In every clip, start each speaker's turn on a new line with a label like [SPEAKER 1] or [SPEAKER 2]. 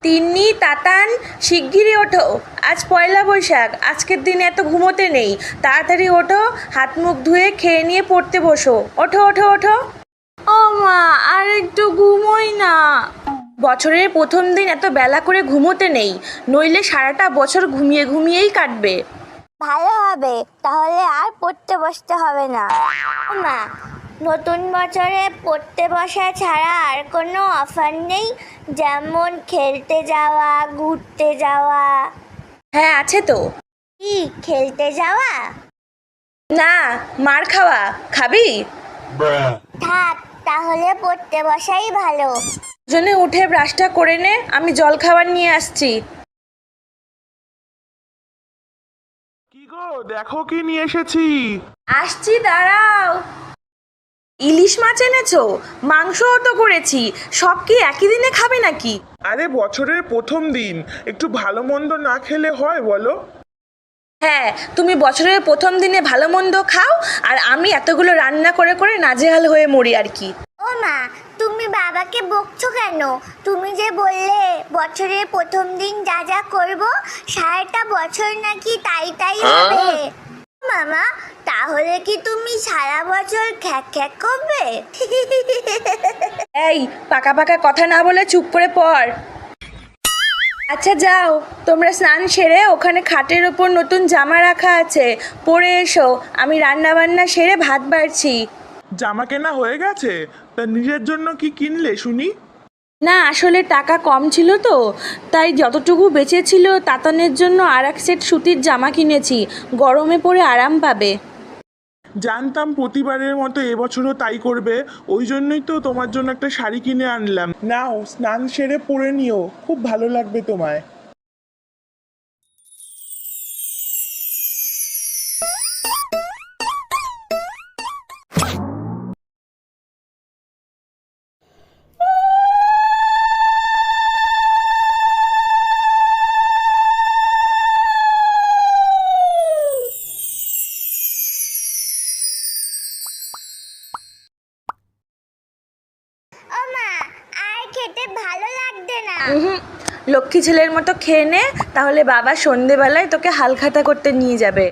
[SPEAKER 1] তিন্নি, তাতান, শিগগিরই ওঠো। আজ পয়লা বৈশাখ। আজকের দিনে এত ঘুমোতে নেই। তাড়াতাড়ি ওঠো, হাত মুখ ধুয়ে খেয়ে নিয়ে পড়তে বসো। ওঠো ওঠো ওঠো। ও মা, আর একটু ঘুমোই না। বছরের প্রথম দিন এত বেলা করে ঘুমোতে নেই, নইলে সারাটা বছর ঘুমিয়ে ঘুমিয়েই কাটবে।
[SPEAKER 2] ভালো হবে, তাহলে আর পড়তে বসতে হবে না। মা, নতুন বছরে পড়তে বসা ছাড়া আর কোনো অফার নেই? যেমন খেলতে যাওয়া, ঘুরতে যাওয়া।
[SPEAKER 1] হ্যাঁ, আছে তো।
[SPEAKER 2] কি খেলতে যাওয়া?
[SPEAKER 1] না, মার খাওয়া। খাবি?
[SPEAKER 2] থাক, তাহলে পড়তে বসাই ভালো।
[SPEAKER 1] জনে উঠে ব্রাশটা করে নে, আমি জল খাবার নিয়ে আসছি।
[SPEAKER 3] কি গো, দেখো কি নিয়ে এসেছি।
[SPEAKER 1] আসছি, দাঁড়াও। ইলিশ মাছ এনেছো? মাংসও তো করেছি। সব কি একই দিনে খাবে নাকি?
[SPEAKER 3] আরে বছরের প্রথম দিন, একটু ভালো মন্দ না খেলে হয় বলো?
[SPEAKER 1] হ্যাঁ, তুমি বছরের প্রথম দিনে ভালো মন্দ খাও, আর আমি এতগুলো রান্না করে করে নাজেহাল হয়ে মরি আর কি।
[SPEAKER 2] ও মা, তুমি বাবাকে বকছো কেন? তুমি যে বললে বছরের প্রথম দিন যা যা করবো সারাটা বছর নাকি তাই তাই হবে। মামা, তাহলে কি তুমি সারা বছর খ্যাক খ্যাক করবে?
[SPEAKER 1] এই, পাকা পাকা কথা না বলে চুপ করে পড়। আচ্ছা যাও, তোমরা স্নান সেরে ওখানে খাটের ওপর নতুন জামা রাখা আছে, পরে এসো। আমি রান্না বান্না সেরে ভাত বাড়ছি।
[SPEAKER 3] জামা কেনা হয়ে গেছে? তা নিজের জন্য কি কিনলে শুনি?
[SPEAKER 1] না, আসলে টাকা কম ছিল তো, তাই যতটুকু বেঁচেছিল তাতানের জন্য আর এক সেট সুতির জামা কিনেছি। গরমে পরে আরাম পাবে।
[SPEAKER 3] জানতাম প্রতিবারের মতো এবছরও তাই করবে, ওই জন্যই তো তোমার জন্য একটা শাড়ি কিনে আনলাম। নাও, স্নান সেরে পরে নিও, খুব ভালো লাগবে তোমায়।
[SPEAKER 2] ও মা, আর খেতে ভালো লাগছে না।
[SPEAKER 1] হুম, লক্ষ্মী ছেলের মতো খেয়ে নে, তাহলে বাবা সন্ধেবেলায় তোকে হালখাতা করতে নিয়ে যাবে।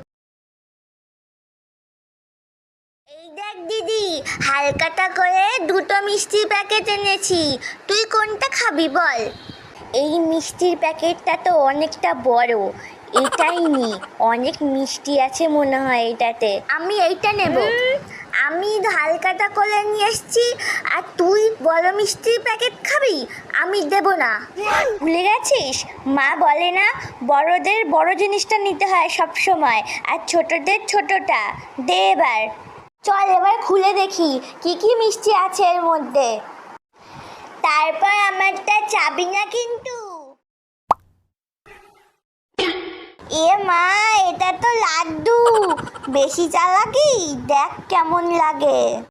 [SPEAKER 2] এই দেখ দিদি, হালকাটা করে দুটো মিষ্টির প্যাকেট এনেছি। তুই কোনটা খাবি বল? এই মিষ্টির প্যাকেটটা তো অনেকটা বড়, এটাই নি। অনেক মিষ্টি আছে মনে হয় এটাতে। আমি এইটা নেব। আমি হালকাটা করে নিয়ে এসছি, আর তুই বড় মিষ্টির প্যাকেট খাবি? আমি দেব না। ভুলে গেছিস, মা বলে না, বড়দের বড় জিনিসটা নিতে হয় সব সময়, আর ছোটদের ছোটটা। দে এবার। চল এবার খুলে দেখি কি কি মিষ্টি আছে এর মধ্যে। তারপর আমারটা চাবি না কিন্তু। এ মা, এটা তো লাড্ডু। বেশি চালাকি, দেখ কেমন লাগে।